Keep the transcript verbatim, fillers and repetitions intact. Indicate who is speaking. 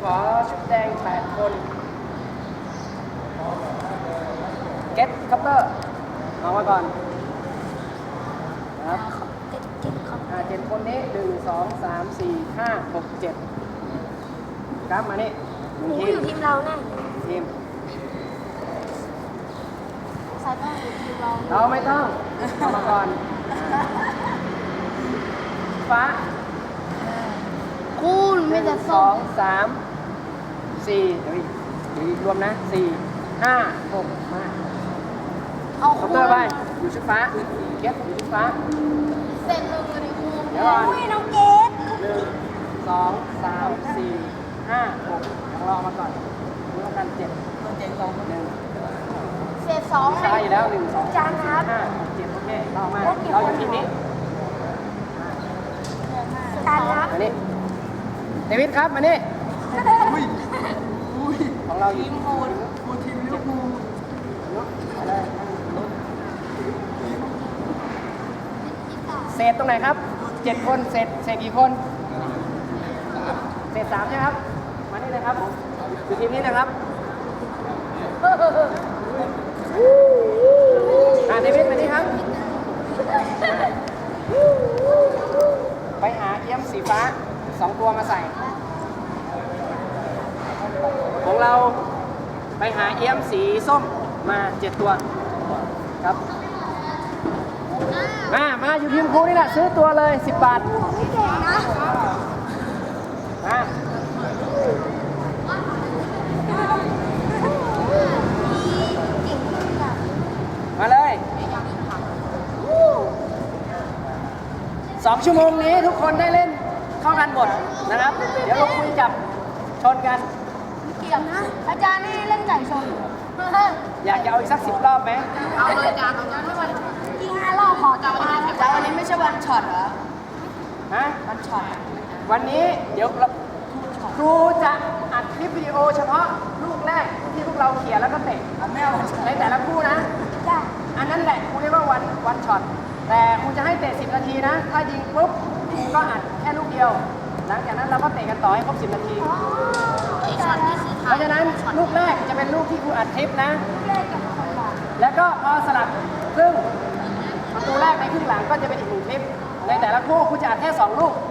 Speaker 1: ขอชุดแดงแปดคนเก็ตคัพเตอร์เอามาก่อนนะครับอ่าเจ็ดคนนี้หนึ่งสองสามสี่ห้าหกเจ็ดกราฟมานี่หนึ่ง
Speaker 2: หนู
Speaker 1: ที
Speaker 2: อยู่
Speaker 1: ม
Speaker 2: ทีมเราแน่
Speaker 1: ทีม
Speaker 2: สายต้องอยู่ทีมเรา
Speaker 1: เราไม่ต้องเอามาก่อนฟ้า
Speaker 2: คุณ
Speaker 1: ห
Speaker 2: ไม่
Speaker 1: นึ่ง
Speaker 2: จะ
Speaker 1: ส
Speaker 2: ส้
Speaker 1: อ
Speaker 2: ม
Speaker 1: งสามสี่เดี๋ยวเดี๋ยวรวมนะสี่ห้าหกมา
Speaker 2: เอา
Speaker 1: ค
Speaker 2: คุ
Speaker 1: อป
Speaker 2: ณ
Speaker 1: เตอร์ไปอยู่ชุดฟ้าเก็ตอยู่ชุดฟ้า
Speaker 2: เสร็จเลยดิคุณ
Speaker 1: เดี๋ยวก่อน
Speaker 2: อุ้ยน้องเกด
Speaker 1: หนึ่งสองสามสี่ห้าหกของเรามาก่อนรวมกันเจ็ดเจ็ดสองหนึ่ง
Speaker 2: เสร็จสอง
Speaker 1: ใช่แล้วหนึ่งสอง
Speaker 2: จานครับ
Speaker 1: ห้าหกเจ็ดโอเคเรามาเราอยู่ทีมนี้
Speaker 2: จานครับ
Speaker 1: มานี่เดวิดครับมานี่ของเราอยู่ทีมโฮนโฮนทีมลิเวอร์พูลไปเลยเศษตรงไหนครับเจ็ดคนเศษเศษกี่คนเศษสามใช่ไหมครับมานี่เลยครับผมอยู่ทีมนี้นะครับอ่าเดวิดมานี่ครับไปหาเอี้ยมสีฟ้าสองตัวมาใส่ของเราไปหาเอี้ยมสีส้มมาเจ็ดตัวครับมามาอยู่ทีมครูนี่แหละซื้อตัวเลยสิบบาท
Speaker 2: พี่เก่งนะ
Speaker 1: มามาเลยสองชั่วโมงนี้ทุกคนได้เล่นเข้ากันหมดนะครับ เดี๋ยวเราคุยจับชนกัน
Speaker 2: เกี่ยวนะอาจารย์นี่เล่นไก่ชน
Speaker 1: อยากจะเอาอีกสักสิบรอบไหม
Speaker 3: เอาเลยอาจารย์อาจารย์ไม่วัน
Speaker 2: ยิงห้ารอบพอจาน
Speaker 3: อาจารย์วันนี้ไม่ใช่วันช็อตเหรอ
Speaker 1: ฮะ
Speaker 3: วันช็อต
Speaker 1: วันนี้เดี๋ยวเราครูจะอัดคลิปวิดีโอเฉพาะลูกแรกที่พวกเราเขียนแล้วก็เตะ
Speaker 3: ไม่เอาวันช็อต
Speaker 1: ในแต่ละคู่นะ
Speaker 2: จ้า
Speaker 1: อันนั้นแหละครูเรียกว่าวันวันช็อตแต่ครูจะให้เตะสิบนาทีนะ ถ้ายิงปุ๊บครูก็อัดแค่ลูกเดียว หลังจากนั้นเราก็เตะกันต่อให้ครบสิบนาที
Speaker 3: ไอ้ช็อตนี่คือ
Speaker 1: เพราะฉะนั้นลูกแรกจะเป็นลูกที่ครูอัดคลิปนะ
Speaker 2: เล่นกับคนหลัง
Speaker 1: แล้วก็พอสลับครึ่งประตูแรกในครึ่งหลังก็จะเป็นอีกหนึ่งคลิป ในแต่ละคู่ครูจะอัดแค่สองลูก